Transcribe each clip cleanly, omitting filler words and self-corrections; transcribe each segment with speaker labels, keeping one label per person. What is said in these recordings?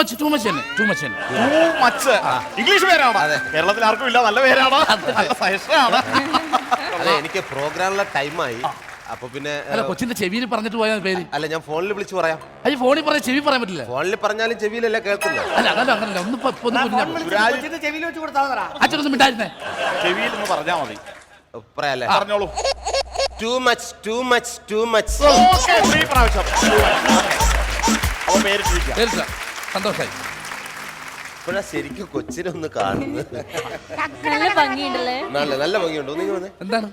Speaker 1: English പേരാണ്. കേരളത്തിൽ ആർക്കും ഇല്ല, നല്ല പേരാണ്, നല്ല സജഷനാണ്.
Speaker 2: അതെ, എനിക്ക് പ്രോഗ്രാമിലെ ടൈമായി. അപ്പൊ പിന്നെ
Speaker 3: കൊച്ചിന്റെ ചെവിയിൽ പറഞ്ഞിട്ട് പോയ പേര്
Speaker 2: അല്ല, ഞാൻ ഫോണിൽ വിളിച്ചു പറയാം.
Speaker 3: അത് ഫോണിൽ പറഞ്ഞ ചെവി പറയാൻ പറ്റില്ല.
Speaker 2: ഫോണിൽ പറഞ്ഞാലും ചെവിയിലല്ല കേൾക്കുന്നത്.
Speaker 3: അല്ല അതല്ല അങ്ങനല്ല, അച്ഛനൊന്നും മിണ്ടായിരുന്നേ.
Speaker 1: ചെവിയിൽ ഒന്ന് പറഞ്ഞാ മതി.
Speaker 2: പറയാല്ലേ?
Speaker 1: പറഞ്ഞോളൂ.
Speaker 2: Too much too much too much.
Speaker 3: സന്തോഷായി.
Speaker 2: ഇപ്പോഴാ ശരിക്കും കൊച്ചിനൊന്ന് കാണുന്നത്.
Speaker 4: നല്ല ഭംഗിയുണ്ടല്ലേ?
Speaker 2: നല്ല ഭംഗിയുണ്ടോ? നിങ്ങൾ വന്നേ.
Speaker 3: എന്താണ്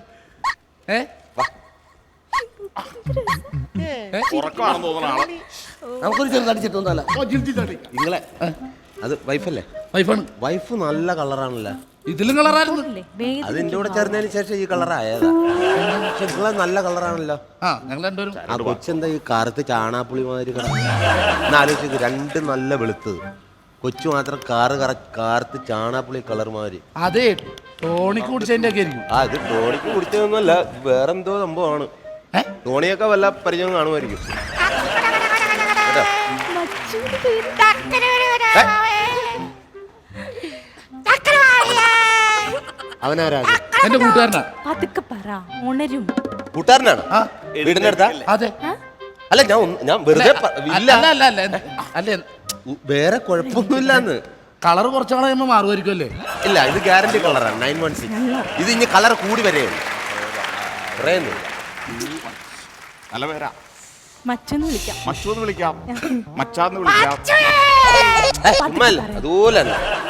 Speaker 1: ഉറക്കമാണെന്ന് തോന്നുന്ന ആള്.
Speaker 2: നമുക്കൊരു ചെറുതടിച്ചിട്ടൊന്നല്ല നിങ്ങളെ. അത് വൈഫല്ലേ?
Speaker 3: വൈഫാണ്.
Speaker 2: വൈഫ് നല്ല കളറാണല്ലോ.
Speaker 3: ഇതിലും കളറായിരുന്നു.
Speaker 2: അത് എന്റെ കൂടെ ചേർന്നതിന് ശേഷം ഈ കളറായതാ. നിങ്ങളെ നല്ല കളറാണല്ലോ.
Speaker 3: ഞങ്ങൾ രണ്ടുപേരും.
Speaker 2: ആ കൊച്ചെന്താ ഈ കറുത്ത് ചാണാപ്പുളി മാതിരി ആലോചിച്ച് രണ്ട് നല്ല വെളുത്തത്, കൊച്ചു മാത്രം കറുത്ത് ചാണാപ്പുളി കളർ മാതിരി.
Speaker 3: അതെ, ടോണിക്ക് കുടിച്ചതിന്റെ ഒക്കെ ആയിരിക്കും.
Speaker 2: ഇത് ടോണിക്ക് കുടിച്ചതൊന്നുമല്ല, വേറെന്തോ സംഭവമാണ്. ടോണിയൊക്കെ വല്ല പരിചയം കാണുമായിരിക്കും. അവനാരാ?
Speaker 3: എന്റെ കൂട്ടുകാരനാ.
Speaker 2: കൂട്ടുകാരനാണ്? വീടിന്റെ അടുത്താ?
Speaker 3: അതെ.
Speaker 2: അല്ല, ഞാൻ വെറുതെ
Speaker 3: അല്ല,
Speaker 2: വേറെ കുഴപ്പമൊന്നുമില്ലാന്ന്.
Speaker 3: കളർ കുറച്ചു കഴിയുമ്പോ മാറുമായിരിക്കും അല്ലേ?
Speaker 2: ഇല്ല, ഇത് ഗ്യാരണ്ടി കളറാണ് 916. ഇത് ഇനി കളർ കൂടി വരെയുള്ളൂ. പറയുന്നു
Speaker 1: നല്ല പേരാ.
Speaker 4: മച്ചെന്ന് വിളിക്കാം,
Speaker 1: മച്ചൂന്ന് വിളിക്കാം, മച്ചാന്ന് വിളിക്കാം.
Speaker 2: അതുപോലെ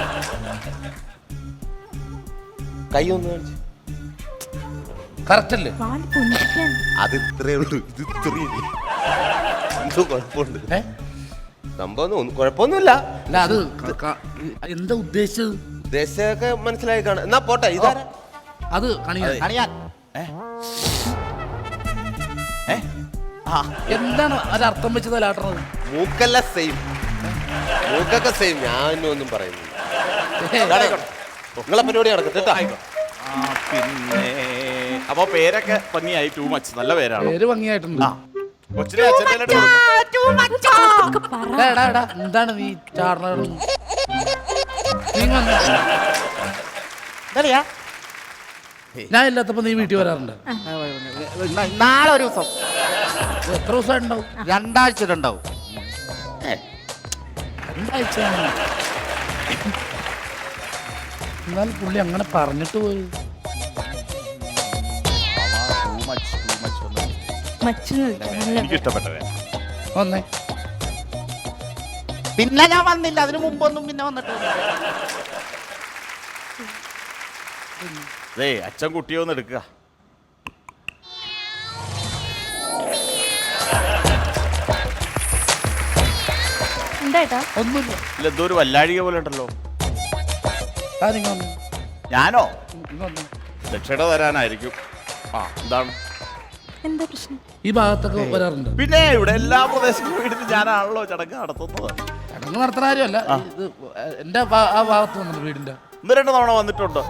Speaker 2: കൈ ഒന്ന് കാണിച്ചു.
Speaker 3: കറക്റ്റ് അല്ലേ?
Speaker 2: അത് ഇത്രേ ഉള്ളൂ. ഇത് ഇത്രയും എന്തോ കുഴപ്പമുണ്ട്. സംഭവം കുഴപ്പമൊന്നുമില്ല.
Speaker 3: അല്ല, അത് എന്താ ഉദ്ദേശിച്ചത്?
Speaker 2: ഉദ്ദേശമൊക്കെ മനസ്സിലായി കാണാം. എന്നാ പോട്ടെ. ഇതാരാ?
Speaker 3: അത് കണിയാൻ. എന്താണ് അത് അർത്ഥം വെച്ചത് ലാട്ടണത്?
Speaker 2: മൂക്കല്ല സെയിം, മൂക്കൊക്കെ സെയിം. ഞാനൊന്നും പറയുന്നില്ല. നിങ്ങളെ പരിപാടി നടക്കട്ടെ.
Speaker 1: പിന്നെ അപ്പൊ പേരൊക്കെ ഭംഗിയായി. ടു മച്ച് നല്ല പേരാണ്.
Speaker 3: പേര് ഭംഗിയായിട്ടുണ്ട്.
Speaker 1: കൊച്ചിനെ
Speaker 3: എന്താണ് നീ ചാടണ? ഞാൻ ഇല്ലാത്തപ്പോ നീ വീട്ടിൽ വരാറുണ്ട്?
Speaker 5: നാളെ ഒരു ദിവസം.
Speaker 3: എത്ര ദിവസം ഉണ്ടാവും?
Speaker 5: 2 ആഴ്ച ഉണ്ടാവും.
Speaker 3: 2 ആഴ്ച. എന്നാൽ പുള്ളി അങ്ങനെ പറഞ്ഞിട്ട് പോയി.
Speaker 1: എനിക്ക് ഇഷ്ടപ്പെട്ടത്.
Speaker 3: വന്നേ.
Speaker 5: പിന്നെ ഞാൻ വന്നില്ല, അതിന് മുമ്പൊന്നും പിന്നെ വന്നിട്ടില്ല.
Speaker 1: അച്ഛൻ കുട്ടിയെ ഒന്ന് എടുക്കുക.
Speaker 3: ഒന്നുമില്ല.
Speaker 1: എന്തോ ഒരു വല്ലാഴിക പോലെ ഉണ്ടല്ലോ. ഞാനോ? ദക്ഷിണ തരാനായിരിക്കും. എന്താണ്
Speaker 4: എന്താ പ്രശ്നം?
Speaker 3: ഈ ഭാഗത്തൊക്കെ വരാറുണ്ട്.
Speaker 1: പിന്നെ ഇവിടെ എല്ലാ പ്രദേശങ്ങളും വീട്ടിൽ ഞാനാണല്ലോ ചടങ്ങ് നടത്തുന്നത്.
Speaker 3: ചടങ്ങ് നടത്തുന്ന കാര്യമല്ല, ഇത് എന്റെ ആ ഭാഗത്ത് വന്നിട്ടുണ്ട് വീടിന്റെ.
Speaker 1: 1-2 തവണ വന്നിട്ടുണ്ട്.